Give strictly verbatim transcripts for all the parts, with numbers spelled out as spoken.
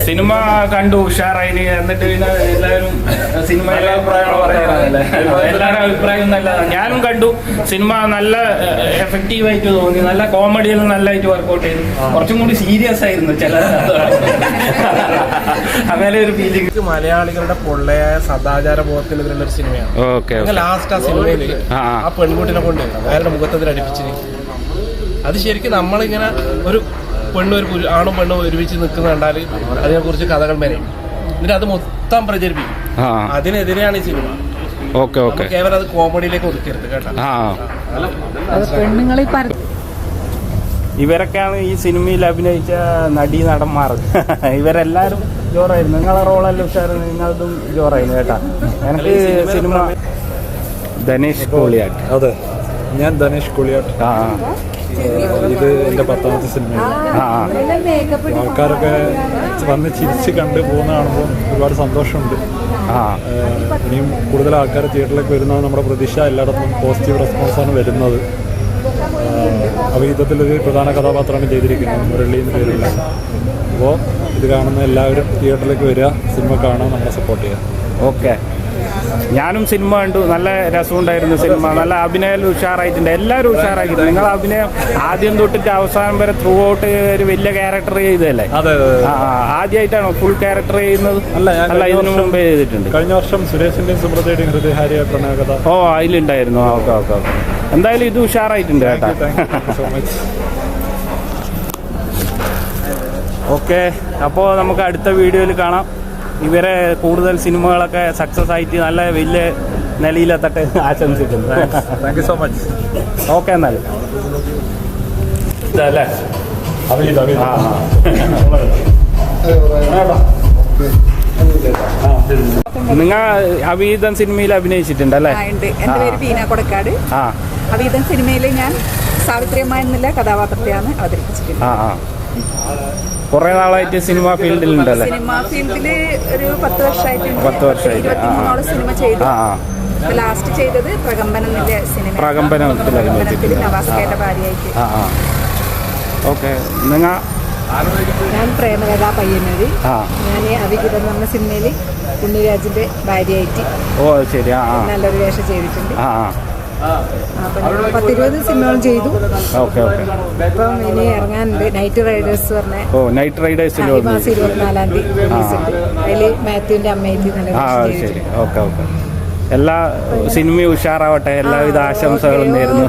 Cinema കണ്ടു ഉഷാറായി. എന്നിട്ട് പിന്നെ എല്ലാവരും സിനിമയിലെ അഭിപ്രായങ്ങൾ പറയാനല്ലേ, എല്ലാവരുടെ അഭിപ്രായം നല്ലതാണ്. ഞാനും കണ്ടു. സിനിമ നല്ല എഫക്റ്റീവായിട്ട് തോന്നി. നല്ല കോമഡിയെല്ലാം നല്ലതായിട്ട് വർക്കൗട്ട് ചെയ്തു. കുറച്ചും കൂടി സീരിയസ് ആയിരുന്നു ചില അങ്ങനെ ഒരു ഫീലിംഗ്. മലയാളികളുടെ പൊള്ളയായ സദാചാര ബോധത്തിനെതിരുള്ള ഒരു സിനിമയാണ്. ലാസ്റ്റ് ആ സിനിമയിൽ ആ പെൺകുട്ടിനെ കൊണ്ട് അയാളുടെ മുഖത്തിൽ അടുപ്പിച്ച് അത് ശരിക്കും നമ്മളിങ്ങനെ ഒരു പെണ്ണും ഒരു ആണും പെണ്ണും ഒരുമിച്ച് നിൽക്കുന്ന കണ്ടാൽ അതിനെക്കുറിച്ച് കഥകൾ മെനയും. എന്നിട്ട് അത് മൊത്തം പ്രചരിപ്പിക്കും. അതിനെതിരെയാണ് ഈ സിനിമ. കേവലം അത് കോമഡിയിലേക്ക് ഒതുക്കരുത് കേട്ടോ. ഇവരൊക്കെയാണ് ഈ സിനിമയിൽ അഭിനയിച്ച നടി നടന്മാർ. ഇവരെല്ലാരും ജോറായിരുന്നു. നിങ്ങളെ റോളെല്ലാം ഉഷാറായിരുന്നു. നിങ്ങളതും ജോറായിരുന്നു കേട്ടാ. എനിക്ക് സിനിമ ധനേഷ് കോളിയാട്ട്. അതെ, ഞാൻ ധനേഷ് കോളിയാട്ട്. ആ ഇത് എൻ്റെ പത്താമത്തെ സിനിമയാണ്. ആൾക്കാരൊക്കെ വന്ന് ചിരിച്ച് കണ്ട് പോകുന്ന കാണുമ്പോൾ ഒരുപാട് സന്തോഷമുണ്ട്. ഇനിയും കൂടുതൽ ആൾക്കാർ തിയേറ്ററിലേക്ക് വരുന്നത് നമ്മുടെ പ്രതീക്ഷ. എല്ലായിടത്തും പോസിറ്റീവ് റെസ്പോൺസാണ് വരുന്നത്. അവിഹിതത്തിലൊരു പ്രധാന കഥാപാത്രമാണ് ചെയ്തിരിക്കുന്നത്, മുരളി എന്ന് പേരില്ല. അപ്പോൾ ഇത് കാണുന്ന എല്ലാവരും തിയേറ്ററിലേക്ക് വരിക, സിനിമ കാണാൻ നമ്മളെ സപ്പോർട്ട് ചെയ്യുക. ഓക്കെ, ഞാനും സിനിമ കണ്ടു. നല്ല രസമുണ്ടായിരുന്നു സിനിമ. നല്ല അഭിനയം ഉഷാറായിട്ടുണ്ട്. എല്ലാവരും ഉഷാറാക്കിയിട്ടുണ്ട്. നിങ്ങൾ അഭിനയം ആദ്യം തൊട്ടിട്ട് അവസാനം വരെ ത്രൂ ഔട്ട് ഒരു വലിയ ക്യാരക്ടർ ചെയ്തതല്ലേ? ആദ്യമായിട്ടാണോ ഫുൾ ക്യാരക്ടർ ചെയ്യുന്നത്? അല്ല, ഇതിനു മുമ്പേ ചെയ്തിട്ടുണ്ട്. കഴിഞ്ഞ വർഷം സുരേഷിന്റെയും സുബ്രതയുടെയും ഹൃദയഹാരിയ പ്രണയകഥ. ഓ, അതിലുണ്ടായിരുന്നു. ഓക്കെ ഓക്കെ ഓക്കെ എന്തായാലും ഇത് ഉഷാറായിട്ടുണ്ട് കേട്ടോ. ഓക്കെ, അപ്പോൾ നമുക്ക് അടുത്ത വീഡിയോയിൽ കാണാം. ഇവരെ കൂടുതൽ സിനിമകളൊക്കെ സക്സസ് ആയിട്ട് നല്ല വലിയ നിലയിലെത്തട്ടെ ആശംസിക്കുന്നു. Thank you so much. Okay, എന്നാൽ ഇതല്ലേ നിങ്ങൾ അവിഹിതം സിനിമയിൽ അഭിനയിച്ചിട്ടുണ്ടല്ലേ? എന്റെ പേര് ബീന കൊടക്കാട്. അവിഹിതം സിനിമയിൽ ഞാൻ സാവിത്രിയമ്മ എന്നുള്ള കഥാപാത്രത്തെയാണ് അവതരിപ്പിച്ചിട്ടുള്ളത്. ആ ആ കുറെ നാളായിട്ട് സിനിമ ഫീൽഡിലുണ്ടല്ലേ? സിനിമ ഫീൽഡില് ഒരു പത്ത് വർഷമായിട്ട് പത്ത് വർഷമായിട്ട് സിനിമ ചെയ്തു. ലാസ്റ്റ് ചെയ്തത് പ്രകമ്പനം എന്നുള്ള സിനിമ. പ്രകമ്പനത്തിൽ നവാസ്കയുടെ ഭാര്യയായിട്ട്. ആ ആ ഓക്കെ. നിങ്ങൾ? ഞാൻ പ്രേമകഥാ പയ്യന്നൂര്. ഞാൻ അവിഹിതം എന്ന് പറഞ്ഞ സിനിമയിൽ ഉണ്ണിരാജിന്റെ ഭാര്യയായിട്ട് ഓ ശരി നല്ലൊരു വേഷം ചെയ്തിട്ടുണ്ട്. ആ പത്തിരുപത് സിനിമകൾ ചെയ്തു. Okay okay. ഇപ്പം ഇനി ഇറങ്ങാനുണ്ട് നൈറ്റ് റൈഡേഴ്സ് പറഞ്ഞ. ഓ, നൈറ്റ് റൈഡേഴ്സ് മാസം ഇരുപത്തിനാലാം തീയതി. അതിൽ മാത്യുവിന്റെ അമ്മയായിട്ട് നല്ല ശരി. Okay okay. എല്ലാ സിനിമയും ഉഷാറാവട്ടെ. എല്ലാവിധ ആശംസകളും നേരുന്നു.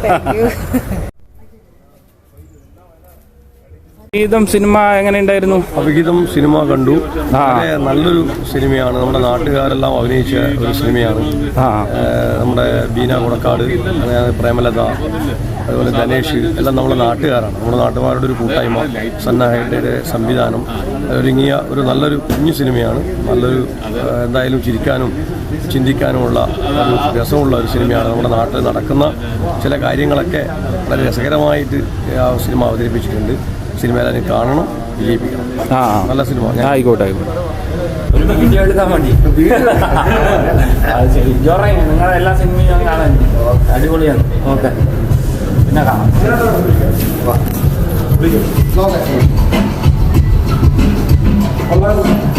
അവിഹിതം സിനിമ എങ്ങനെയുണ്ടായിരുന്നു? അവിഹിതം സിനിമ കണ്ടു. നല്ലൊരു സിനിമയാണ്. നമ്മുടെ നാട്ടുകാരെല്ലാം അഭിനയിച്ച ഒരു സിനിമയാണ്. നമ്മുടെ ബീന കൊടക്കാട്, പ്രേമലത, അതുപോലെ ധനേഷ് എല്ലാം നമ്മുടെ നാട്ടുകാരാണ്. നമ്മുടെ നാട്ടുകാരുടെ ഒരു കൂട്ടായ്മ, സന്നാഹയുടെ സംവിധാനം, ഒരുങ്ങിയ ഒരു നല്ലൊരു കുഞ്ഞു സിനിമയാണ്. നല്ലൊരു എന്തായാലും ചിരിക്കാനും ചിന്തിക്കാനുമുള്ള ഒരു രസമുള്ള ഒരു സിനിമയാണ്. നമ്മുടെ നാട്ടിൽ നടക്കുന്ന ചില കാര്യങ്ങളൊക്കെ വളരെ രസകരമായിട്ട് ആ സിനിമ അവതരിപ്പിച്ചിട്ടുണ്ട്. സിനിമയിൽ കാണണം, വിജയിപ്പിക്കണം. ആ നല്ല സിനിമ. ആയിക്കോട്ടെ ആയിക്കോട്ടെ. വീഡിയോ എടുക്കാൻ വേണ്ടി ശരി. ജോറായി നിങ്ങളെ എല്ലാ സിനിമയും കാണാൻ അടിപൊളിയാണ്. ഓക്കെ, പിന്നെ കാണാം.